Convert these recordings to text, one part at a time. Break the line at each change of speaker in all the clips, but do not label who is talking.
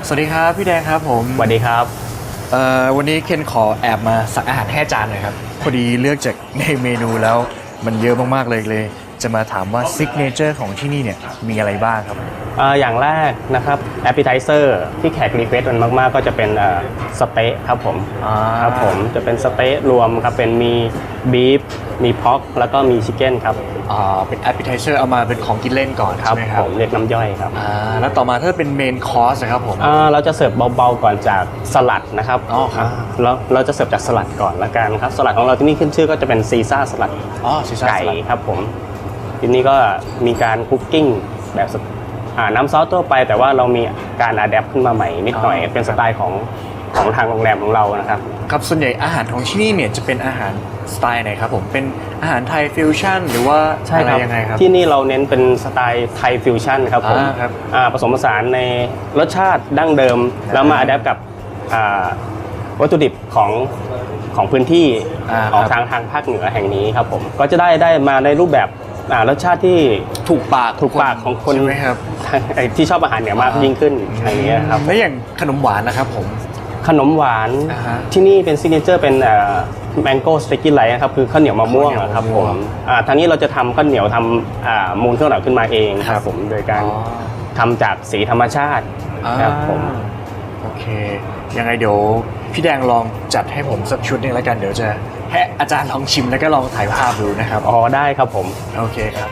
สวัสดีครับพี่แดงครับผม
สวัสดีครับ
วันนี้เคนขอแอบมาสั่งอาหารให้อาจารย์หน่อยครับพอดีเลือกจากในเมนูแล้วมันเยอะมากๆเลยจะมาถามว่าซิกเนเจอร์ของที่นี่เนี่ยมีอะไรบ้างครับ
อย่างแรกนะครับแอปเปิลไทเซอร์ที่แขกรีเควสต์มันมากๆก็จะเป็นสเต๊ะครับผมครับผมจะเป็นสเต๊ะรวมครับเป็นมีบีฟมีพ็อกแล้วก็มีชิคเก้นครับ
เป็นแอปเปิลไทเซอร์เอามาเป็นของกินเล่นก่อน
ครับ
ใช่ไหมครับ
ผมเรียกน้ำย่อยครับ
แล้วต่อมาถ้าเป็นเมนคอร์สครับผม
เราจะเสิร์ฟเบาๆก่อนจากสลัดนะครับ
ครับ
แล้วเราจะเสิร์ฟจากสลัดก่อนละกันครับสลัดของเราที่นี่ขึ้นชื่อก็จะเป็นซีซ่าสลัดไก่ครับผมที่นี่ก็มีการคุกกิ้งแบบน้ำซอสทั่วไปแต่ว่าเรามีการอะแดปขึ้นมาใหม่นิดหน่อยเป็นสไตล์ของทางโรงแรมของเรานะครับ
ครับส่วนใหญ่อาหารของที่นี่เนี่ยจะเป็นอาหารสไตล์ไหนครับผมเป็นอาหารไทยฟิวชั่นหรือว่าอะไรยังไงครับ
ที่นี่เราเน้นเป็นสไตล์ไทยฟิวชั่นครับผมผสมผสานในรสชาติดั้งเดิมแล้วมาอะแดปกับวัตถุดิบของพื้นที่ของทางภาคเหนือแห่งนี้ครับผมก็จะได้มาในรูปแบบรสชาติที่ถูกปากของคนที่ชอบอาหารเหนือมากยิ่งขึ้นอย่างเงี้ยครับ
แล้วอย่างขนมหวานนะครับผม
ขนมหวานที่นี่เป็นซิกเนเจอร์เป็นแมงโก้สเต็กกี้ไลท์ครับคือข้าวเหนียวมะม่วงครับผมทางนี้เราจะทำข้าวเหนียวทำมูลข้าวเหนียวขึ้นมาเองครับผมโดยการทำจากสีธรรมชาติครับผม
โอเคยังไงเดี๋ยวพี่แดงลองจัดให้ผมสักชุดนึงแล้วกันเดี๋ยวจะให้อาจารย์ลองชิมแล้วก็ลองถ่ายภาพดูนะครับ
ได้ครับผม
โอเคครับ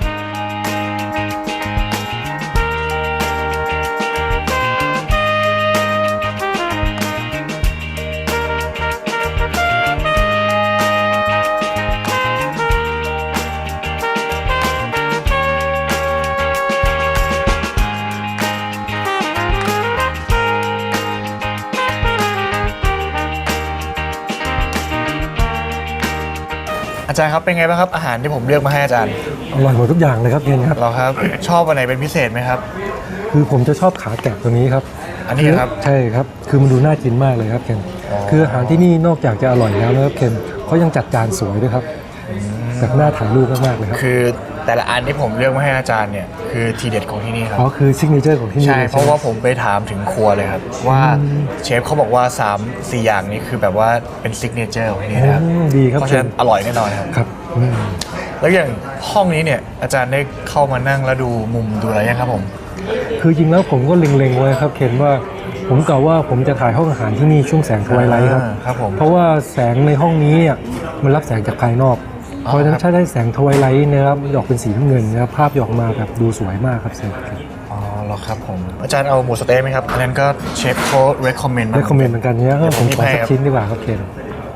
อาจารย์ครับเป็นไงบ้างครับอาหารที่ผมเลือกมาให้อาจารย์
อร่อยหมดทุกอย่างเลยครับเคนครับ
เราครับชอบอันไหนเป็นพิเศษไหมครับ
คือผมจะชอบขาแกะตัวนี้ครับ
อันนี้ครับ
ใช่ครับคือมันดูน่ากินมากเลยครับเคนคืออาหารที่นี่นอกจากจะอร่อยแล้วนะครับเคนเขายังจัดจานสวยด้วยครับแบบน่าถ่ายรูปมากๆเลยครับ
คือแต่ละอันที่ผมเลือกมาให้อาจารย์เนี่ยคือทีเด็ดของที่นี่ครับ
คือซิกเนเจอร์ของที่นี่
ใช่เพราะว่าผมไปถามถึงครัวเลยครับว่าเชฟเขาบอกว่า3-4อย่างนี้คือแบบว่าเป็นซิกเนเจอร์ของที่นี่ครับ
ดีครับ
เพราะฉะนั้นอร่อยแน่นอนครับ
ครับ
แล้วอย่างห้องนี้เนี่ยอาจารย์ได้เข้ามานั่งแล้วดูมุมดูอะไรยังครับผม
คือจริงแล้วผมก็เล็งๆไว้ครับเคนว่าผมกล่าวว่าผมจะถ่ายห้องอาหารที่นี่ช่วงแสงทวายไลท์
ครับผม
เพราะว่าแสงในห้องนี้มันรับแสงจากภายนอกเพราะฉะนั้นถ้าได้แสงทวายไลท์นะครับออกเป็นสีน้ำเงินนะครับภาพออกมาแบบดูสวยมากครับเซน
หรอครับผมอาจารย์เอาหมูสเต๊ะไหมครับอันนั้นก็เชฟเขา recommend
เหมือนกันเนี่ยผมขอสักชิ้นดีกว่าครับเคน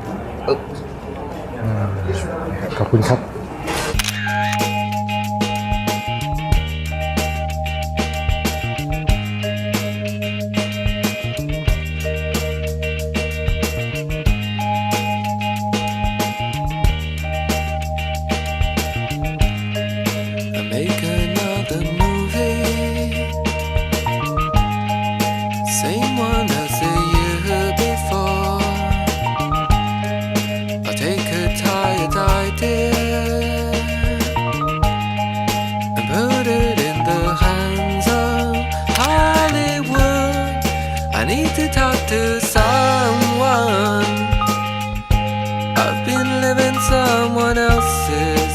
ขอบคุณครับ
Make another movie, same one as the year before. I'll take a tired idea and put it in the hands of Hollywood. I need to talk to someone. I've been living someone else's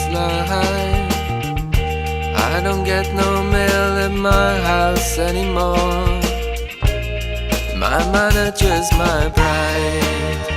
life.I don't get no mail at my house anymore. My manager's my bride.